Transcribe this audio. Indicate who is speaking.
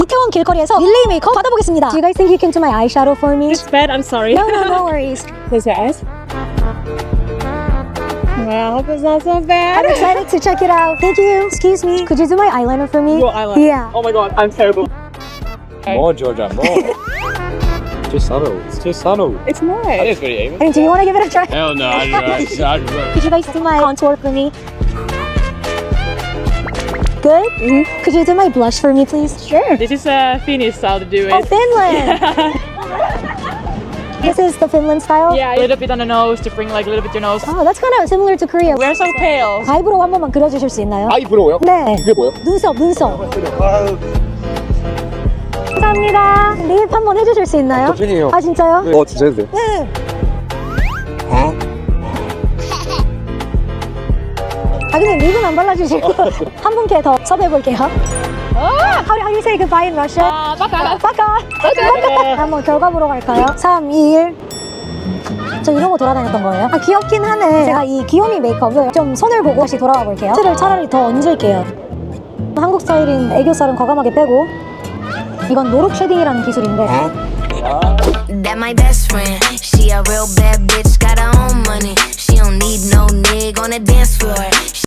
Speaker 1: 이태원 길거리에서 릴레이 메이크업 받아보겠습니다. Do you guys think you can do my eyeshadow for me?
Speaker 2: It's bad, I'm sorry.
Speaker 1: No worries.
Speaker 2: Close your eyes. Wow, I hope it's not so bad.
Speaker 1: I'm excited to check it out. Thank you. Excuse me. Could you do my eyeliner for me?
Speaker 2: Your eyeliner.
Speaker 1: Yeah.
Speaker 2: Oh my god, I'm terrible.
Speaker 3: More, Georgia, more. Too subtle. It's too subtle.
Speaker 2: It's not.
Speaker 3: I think it's pretty even.
Speaker 1: And do you want to give it a try?
Speaker 3: Hell no,
Speaker 1: Could you guys do my contour for me? Good? Mm-hmm. Could you do my blush for me, please?
Speaker 2: Sure. This is a Finnish style to do it.
Speaker 1: Oh, Finland! This is the Finland style?
Speaker 2: Yeah, a little bit on the nose to bring like a little bit your nose.
Speaker 1: Oh, that's kind of similar to Korea.
Speaker 2: We're so pale.
Speaker 1: 아이브로우 한 번만 그려주실 수 있나요?
Speaker 3: 아이브로우요?
Speaker 1: 네.
Speaker 3: 그게 뭐예요?
Speaker 1: 눈썹. 감사합니다. 립 한 번 해주실 수 있나요?
Speaker 3: 저 팬이에요.
Speaker 1: 아, 진짜요?
Speaker 3: 진짜 해도 돼요?
Speaker 1: 네. 아, 근데 립은 안 발라주시고 한 분께 더 섭외해볼게요. How do you say goodbye in Russian?
Speaker 2: Baka.
Speaker 1: 빠까. 한번 결과 보러 갈까요? 3, 2, 1. 저 이러고 돌아다녔던 거예요? 아, 귀엽긴 하네. 제가 이 귀요미 메이크업을 좀 손을 보고 다시 돌아가 볼게요. 틀을 차라리 더 얹을게요. 한국 스타일인 애교살은 과감하게 빼고, 이건 노룩 쉐딩이라는 기술인데
Speaker 4: That my best friend. She a real bad bitch, got her own money. She don't need no nigga on the dance floor.